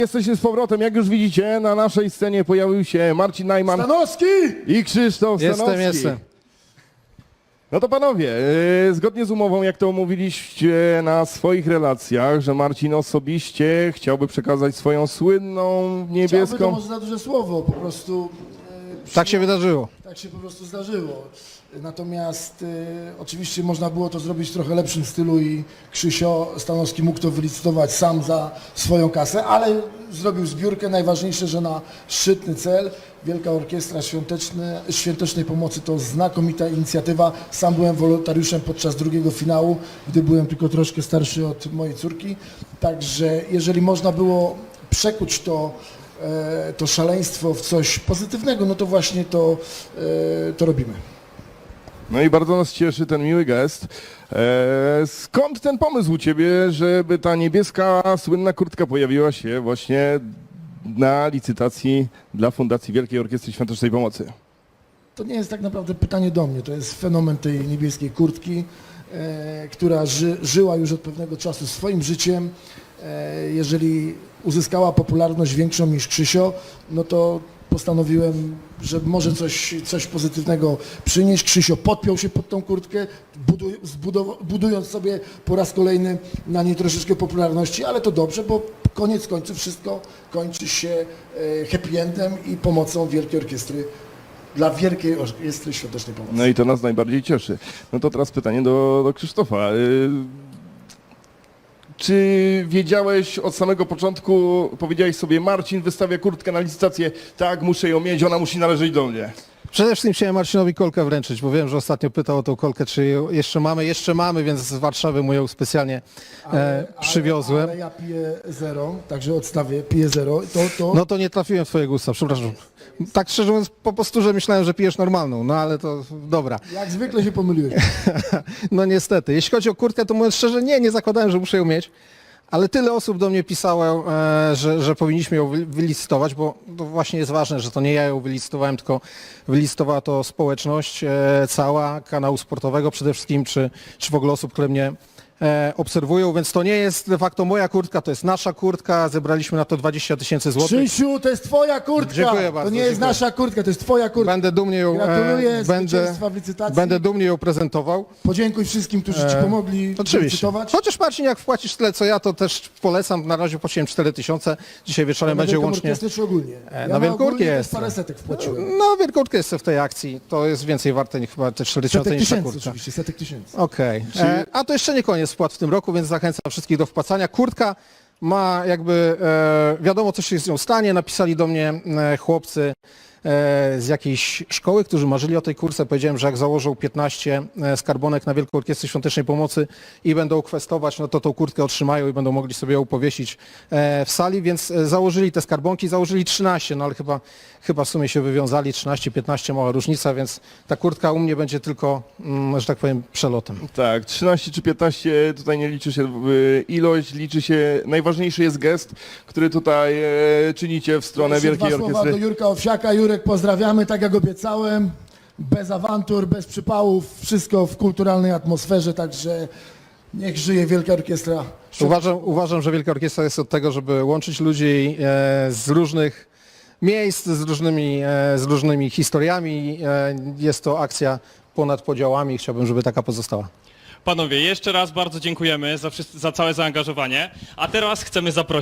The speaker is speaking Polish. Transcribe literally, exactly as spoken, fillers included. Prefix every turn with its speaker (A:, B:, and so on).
A: Jesteśmy z powrotem, jak już widzicie, na naszej scenie pojawił się Marcin Najman
B: Stanowski!
A: i Krzysztof
C: Jestem,
A: Stanowski.
C: jestem.
A: No to panowie, yy, zgodnie z umową, jak to omówiliście na swoich relacjach, że Marcin osobiście chciałby przekazać swoją słynną
B: Chciałby to
A: niebieską...
B: może za duże słowo, po prostu e,
C: Tak się wydarzyło.
B: tak się po prostu zdarzyło. Natomiast e, oczywiście można było to zrobić w trochę lepszym stylu i Krzysio Stanowski mógł to wylicytować sam za swoją kasę, ale zrobił zbiórkę. Najważniejsze, że na szczytny cel. Wielka Orkiestra Świąteczny, Świątecznej Pomocy to znakomita inicjatywa. Sam byłem wolontariuszem podczas drugiego finału, gdy byłem tylko troszkę starszy od mojej córki. Także jeżeli można było przekuć to, e, to szaleństwo w coś pozytywnego, no to właśnie to, e, to robimy.
A: No i bardzo nas cieszy ten miły gest. Eee, skąd ten pomysł u ciebie, żeby ta niebieska słynna kurtka pojawiła się właśnie na licytacji dla Fundacji Wielkiej Orkiestry Świątecznej Pomocy?
B: To nie jest tak naprawdę pytanie do mnie, to jest fenomen tej niebieskiej kurtki, e, która ży, żyła już od pewnego czasu swoim życiem. E, jeżeli uzyskała popularność większą niż Krzysio, no to postanowiłem, że może coś, coś pozytywnego przynieść. Krzysio podpiął się pod tą kurtkę, buduj, zbudow- budując sobie po raz kolejny na niej troszeczkę popularności, ale to dobrze, bo koniec końców wszystko kończy się e, happy endem i pomocą Wielkiej Orkiestry dla Wielkiej Orkiestry Świątecznej Pomocy.
A: No i to nas najbardziej cieszy. No to teraz pytanie do, do Krzysztofa. Yy, Czy wiedziałeś od samego początku, powiedziałeś sobie, Marcin wystawia kurtkę na licytację, tak, muszę ją mieć, ona musi należeć do mnie.
C: Przede wszystkim chciałem Marcinowi kolkę wręczyć, bo wiem, że ostatnio pytał o tą kolkę, czy ją jeszcze mamy. Jeszcze mamy, więc z Warszawy mu ją specjalnie e, przywiozłem.
B: Ale, ale ja piję zero, także odstawię, piję zero. To, to...
C: No to nie trafiłem w twoje gusta, przepraszam. Tak szczerze mówiąc, po prostu, że myślałem, że pijesz normalną, no ale to dobra.
B: Jak zwykle się pomyliłeś.
C: No niestety. Jeśli chodzi o kurtkę, to mówiąc szczerze, nie, nie zakładałem, że muszę ją mieć. Ale tyle osób do mnie pisało, e, że, że powinniśmy ją wy- wylicytować, bo to właśnie jest ważne, że to nie ja ją wylicytowałem, tylko wylicytowała to społeczność e, cała, kanału sportowego przede wszystkim, czy, czy w ogóle osób, które mnie e, obserwują, więc to nie jest de facto moja kurtka, to jest nasza kurtka, zebraliśmy na to dwadzieścia tysięcy złotych.
B: Krzysiu, to jest twoja kurtka!
C: Dziękuję bardzo,
B: To nie jest
C: dziękuję.
B: nasza kurtka, to jest twoja kurtka.
C: Będę dumnie ją,
B: Gratuluję
C: będę,
B: zwycięstwa w licytacji.
C: będę dumnie ją prezentował.
B: Podziękuj wszystkim, którzy ci pomogli
C: Oczywiście.
B: licytować.
C: Chociaż Marcin, jak wpłacisz tyle co ja, to też polecam. Na razie płaciłem cztery tysiące. Dzisiaj wieczorem
B: Na
C: będzie
B: Wielką
C: łącznie.
B: Orkiestrę czy ogólnie?
C: E,
B: Ja
C: na Wielką
B: ogólnie też
C: Orkiestrę.
B: parę setek wpłaciłem.
C: No, wielkurtka jest w tej akcji. To jest więcej warte niż chyba te cztery tysiące
B: Setek
C: niż ta
B: tysięcy
C: kurtka.
B: oczywiście, setek tysięcy.
C: Okej. E, A to jeszcze nie koniec wpłat w tym roku, więc zachęcam wszystkich do wpłacania. Kurtka ma jakby, e, wiadomo co się z nią stanie. Napisali do mnie e, chłopcy e, z jakiejś szkoły, którzy marzyli o tej kurce. Powiedziałem, że jak założą piętnaście e, skarbonek na Wielką Orkiestrę Świątecznej Pomocy i będą kwestować, no to tą kurtkę otrzymają i będą mogli sobie ją powiesić e, w sali, więc e, założyli te skarbonki, założyli trzynaście, no ale chyba, chyba w sumie się wywiązali, trzynaście piętnaście, mała różnica, więc ta kurtka u mnie będzie tylko, mm, że tak powiem, przelotem.
A: Tak, trzynaście czy piętnaście, tutaj nie liczy się y, ilość, liczy się, najważniejszy jest gest, który tutaj e, czynicie w stronę
B: Jeszcze
A: Wielkiej
B: dwa słowa
A: Orkiestry.
B: do Jurka Owsiaka. Jurek, pozdrawiamy, tak jak obiecałem. Bez awantur, bez przypałów, wszystko w kulturalnej atmosferze, także niech żyje Wielka Orkiestra.
C: Uważam, uważam, że Wielka Orkiestra jest od tego, żeby łączyć ludzi e, z różnych miejsc, z różnymi, e, z różnymi historiami. E, jest to akcja ponad podziałami i chciałbym, żeby taka pozostała.
D: Panowie, jeszcze raz bardzo dziękujemy za, wszyscy, za całe zaangażowanie, a teraz chcemy zaprosić